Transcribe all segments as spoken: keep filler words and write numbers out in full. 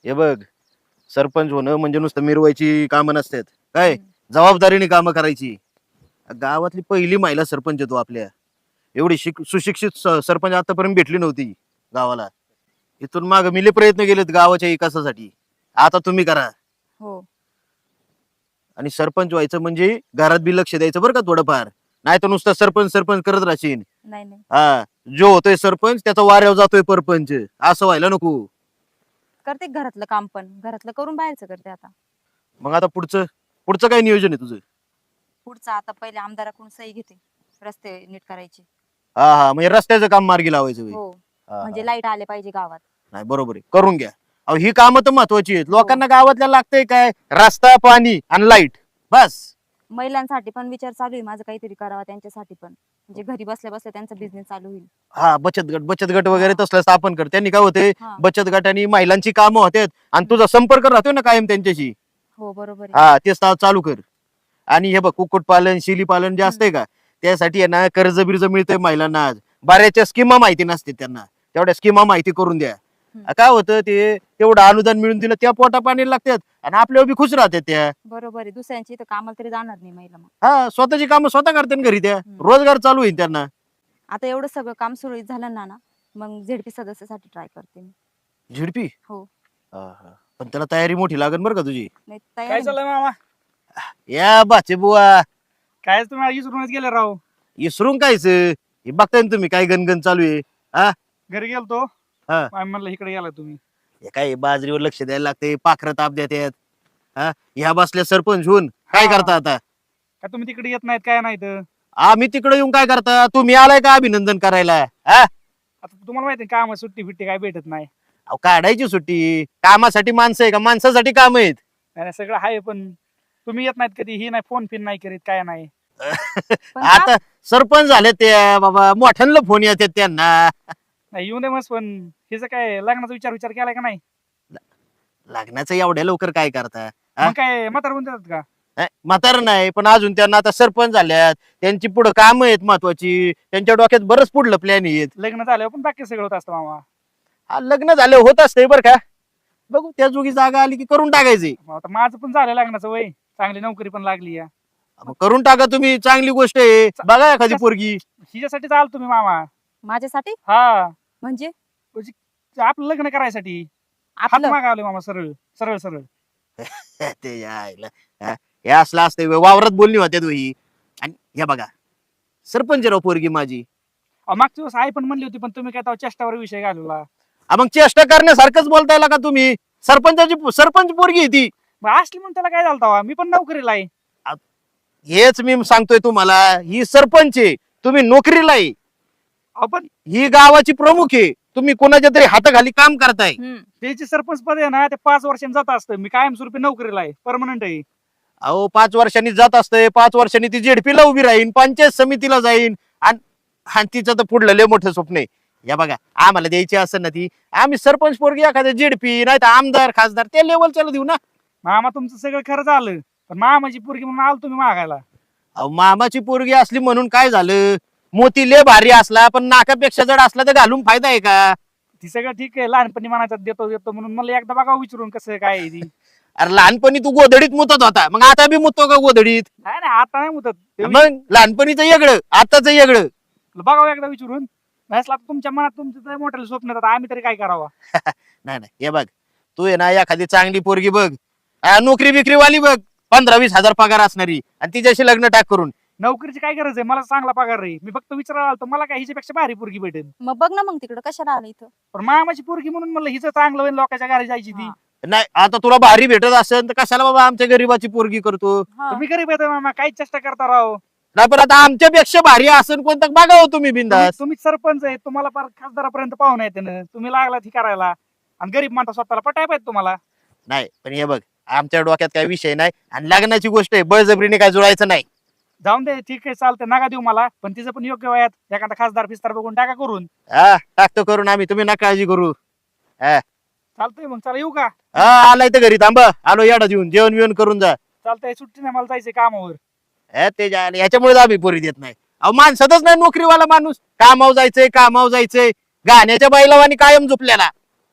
हे बघ, सरपंच होणं म्हणजे नुसतं मिरवायची कामं नसतात काय, जबाबदारीने कामं करायची. गावातली पहिली महिला सरपंच आहे तो आपल्या. एवढी शिक सुशिक्षित स- सरपंच आतापर्यंत भेटली नव्हती गावाला. इथून माग मिले प्रयत्न केलेत गावाच्या विकासासाठी. आता तुम्ही करा. हो. आणि सरपंच व्हायचं म्हणजे घरात बी लक्ष द्यायचं बरं का थोडंफार. नाही तर नुसतं सरपंच सरपंच करत राहशील. नाही नाही हा, जो होतोय सरपंच त्याचा वाऱ्यावर जातोय परपंच, असं व्हायला नको. करते घरातलं काम, पण घरातलं करून बाहेरचं करते आता. मग आता पुढचं पुढचं काय नियोजन आहे तुझं? पुढचं आता पहिले आमदाराकडून सही घेते, रस्ते नीट करायचे. हा हा, म्हणजे रस्त्याचं काम मार्गी लावायचं होय. हो, हा, हा. म्हणजे लाईट आले पाहिजे गावात. नाही बरोबर आहे, करून घ्या. अहो ही कामं तर महत्वाची आहेत. हो. लोकांना गावातल्या लागतंय काय, रस्ता, पाणी आणि लाईट, बस. महिलांसाठी पण विचार चालू आहे माझं, काहीतरी करावं त्यांच्यासाठी पण, म्हणजे घरी बसल्या बसल्या त्यांचा बिझनेस चालू होईल. हा, बचत गट बचत गट वगैरे तसलं स्थापन कर. त्यांनी काय होते, हा. बचत गटाने महिलांची कामं होतात आणि तुझा संपर्क राहतोय ना कायम त्यांच्याशी. हो बरोबर आहे. हा, ते चा- चालू कर. आणि हे बघ, कुक्कुटपालन, शेळीपालन जे असतंय का, त्यासाठी आहे ना कर्ज बिर्ज मिळतंय महिलांना. आज बऱ्याचशा स्कीमा माहिती नसते त्यांना, तेवढ्या स्कीमा माहिती करून द्या. हम्म. काय होतं, ते तेवढं अनुदान मिळून दिलं त्या पोटा पाणी लागतात आणि आपल्यावर बी खुश राहतात त्या. बरोबर आहे, दुसऱ्यांची इथं कामाला तरी जाणार नाही महिला मग. हा, स्वतःची कामं स्वतः करतात घरी त्या. हम्म. रोजगार चालू होईल त्यांना. आता एवढं सगळं काम सुरळीत झालं ना ना मग झेडपी सदस्यासाठी ट्राय करते मी. झिडपी. हो. हा, हा. पण त्याला तयारी मोठी लागेल बरं का तुझी. नाही काय तयार चाललंय मामा? या बाचे बुवा, काय तुम्ही विसरूनच गेले राव. इसरून कायच हे बघताय ना तुम्ही काय गणगण चालू आहे. हा, घरी गेलतो, हा. आम्ही म्हणलं इकडे गेला तुम्ही. हे काय बाजरीवर लक्ष द्यायला लागते, पाखरं ताप देतात. हा, ह्या बसल्या सरपंच होऊन काय हा. करता आता? काय तुम्ही तिकडे येत नाहीत काय नाही तर. आम्ही तिकडे येऊन काय करता? तुम्ही आलाय का अभिनंदन करायला? हा, आता तुम्हाला माहिती काम सुट्टी फिट्टी काय भेटत नाही. अहो, काढायची सुट्टी. कामासाठी माणसं आहे का, माणसासाठी काम आहेत? नाही नाही, सगळं आहे पण तुम्ही येत नाहीत कधी, ही नाही फोन फिन नाही करीत काय नाही. पण का? आता सरपंच झाले ते बाबा, मोठ्यांना फोन येतात त्यांना. नाही येऊ दे मस्त, पण हिचं काय लग्नाचा विचार विचार केलाय का नाही? लग्नाचं एवढ्या लवकर काय करता? हा? मग काय म्हातार होऊन देतात का? नाही, म्हातार नाही, पण अजून त्यांना आता सरपंच झाल्यात, त्यांची पुढे काम आहेत महत्वाची, त्यांच्या डोक्यात बरंच पुढलं प्लॅन आहेत. लग्न झाल्यावर पण बाकी सगळं होत असतं मामा. हा, लग्न झालं होत असतंय बरं का. बघू त्या जोगी जागा आली की करून टाकायची. मग आता माझं पण झालं लग्नाचं वय, चांगली नोकरी पण लागली या. मग करून टाका तुम्ही, चांगली गोष्ट आहे. बघा एखादी पोरगी. हिच्यासाठी चाल तुम्ही मामा. माझ्यासाठी हा, म्हणजे आपलं लग्न करायसाठी हात आपलं मागावले मामा, सरळ सरळ सरळ. ते यायला. हा, हे असलं असतंय व्हय, वावरात बोलणी होत्या ही. आणि हे बघा, सरपंच राव पोरगी माझी. अहो, मागच्या दिवस आई पण म्हणली होती, पण तुम्ही काय तेव्हा चेष्टावर विषय घालवला. हा, मग चेष्टा करण्यासारखंच बोलताय का तुम्ही? सरपंचाची सरपंच पोरगी आहे ती. मग असली म्हणून त्याला काय झालं तेव्हा? मी पण नोकरीला आहे. हेच मी सांगतोय तुम्हाला, ही सरपंच आहे, तुम्ही नोकरीला आहे. अहो, पण ही गावाची प्रमुख आहे, तुम्ही कोणाच्या तरी हाताखाली काम करताय. हम्म. त्याची सरपंच पद आहे ना, ते पाच वर्षांनी जात असतं. मी कायमस्वरूपी नोकरीला आहे, परमनंट आहे. अहो, पाच वर्षांनी जात असतंय, पाच वर्षांनी ती जेडपीला उभी राहीन, पंचायत समितीला जाईन, आणि तिचं तर पुढलं लय मोठं स्वप्न आहे. या बघा, आम्हाला द्यायची असं ना ती, आम्ही सरपंच पोरगी एखाद्या जेडपी नाही तर आमदार खासदार त्या लेवलच्याला देऊ ना. मामा तुमचं सगळं खरं झालं, पण मामाची पोरगी म्हणून आलो तुम्ही मागायला. अहो, मामाची पोरगी असली म्हणून काय झालं? मोती लय भारी असला पण नाकापेक्षा जड असला तर घालून फायदा आहे का? ती सगळं ठीक आहे, लहानपणी म्हणायचं देतो देतो म्हणून मला एकदा बघा विचारून कसं काय आहे ती. अरे लहानपणी तू गोधडीत मुतत होता, मग आता बी मुततो का गोधडीत? नाही नाही, आता नाही मुदत. ते मग लहानपणीचं वेगळं, आताच वेगळं. बघावं एकदा विचारून. नाही असलं तर तुमच्या मनात तुमचं तर मोठ्याला स्वप्न येतात, आम्ही तरी काय करावं? नाही नाही, हे बघ, तू आहे ना एखादी चांगली पोरगी बघ, आ, नोकरी बिकरी वाली बघ, पंधरा वीस हजार पगार असणारी, आणि तिच्याशी लग्न टाक करून. नोकरीची काय गरज आहे? मला चांगला पगार आहे. मी फक्त विचारायला आलो, मला काय हिच्यापेक्षा भारी पोरगी भेटेल. मग बघ ना, मग तिकडं कशाला आलं इथं? पण मामाची पोरगी म्हणून म्हणलं हिचं चांगलं होईल, लोकांच्या घरी जायची ती. हा. नाही, आता तुला भारी भेटत असेल तर कशाला बाबा आमच्या गरीबाची पोरगी करतो? हा. तुम्ही गरीब येतो मामा, काही चेष्टा करता राव. नाही, पण आता आमच्यापेक्षा भारी असेल कोणतं बघावं तुम्ही बिंदास. तुम्ही- तुम्ही सरपंच आहे, तुम्हाला फार खासदारापर्यंत पाहून येते ना, तुम्ही लागला ती करायला. आणि गरीब म्हणता स्वतःला पटाय पाहिजे तुम्हाला. नाही, पण हे बघ, आमच्या डोक्यात काही विषय नाही, आणि लग्नाची गोष्ट आहे, बळजबरीने काय जुळायचं नाही. जाऊन दे, ठीक आहे, चालतंय, नका देऊ मला, पण तिचं पण योग्य वयात एखादा खासदार फिस्तार बघून टाका करून. हा, टाकतो करून आम्ही, तुम्ही ना काळजी करू. हा, चालतंय, मग चला येऊ का? हा, आलाय तर घरी थांबा, आलो याडा देऊन, जेवण बिवण करून जा. चालतंय, सुट्टी नाही, मला जायचंय कामावर. हे ते जायला याच्यामुळे आम्ही पोरी देत नाही. अहो, माणसातच नाही नोकरीवाला माणूस, कामाव जायचंय कामाव जायचंय, गाण्याच्या बैलावानी कायम झोपलेला.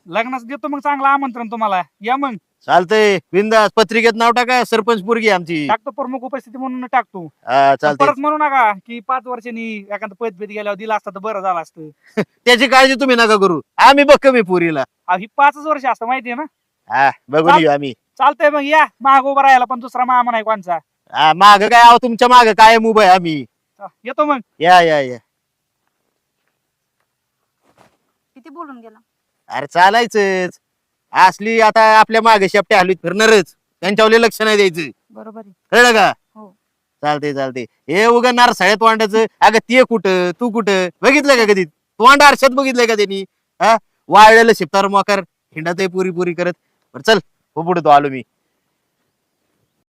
लग्नाचं देतो मग चांगलं आमंत्रण तुम्हाला, या मग. चालतंय बिंदास पत्रिकेत नाव टाका सरपंच पोरगी आमची. टाकतो प्रमुख उपस्थिती म्हणून टाकतो. हा पण चालतंय. परत म्हणू नका की पाच वर्षांनी एखादं पद भेट गेल्यावर दिला असता तर बरं झालं असतं. त्याची काळजी तुम्ही नका करू, आम्ही बघ कमी पोरीला. अहो, ही पाचच वर्ष असतं माहितीये ना. हा बघून चाल- येऊ आम्ही. चालतंय मग या माग उभा राहायला, पण दुसरा मामा नाही कोणचा. हा माग काय आहो, तुमच्या माग काय उभं आहे आम्ही. येतो मग. या या या. किती बोलून गेला. अरे चालायचंच, असली आता आपल्या मागे शेपट्या हलवीत फिरणारच, त्यांच्यावर लक्ष नाही द्यायचं, बरोबर आहे. कळलं का? हो. चालते चालते. हे उगा नारसाळ्यात वांडायचं, अगं ते कुठं तू कुठं बघितलं का कधी? तोंड आरशात बघितलंय का त्यांनी? हा वाळलेलं शिपतार मोकार हिंडात पुरी पुरी करत. बरं चल हो पुढे तो आलो मी.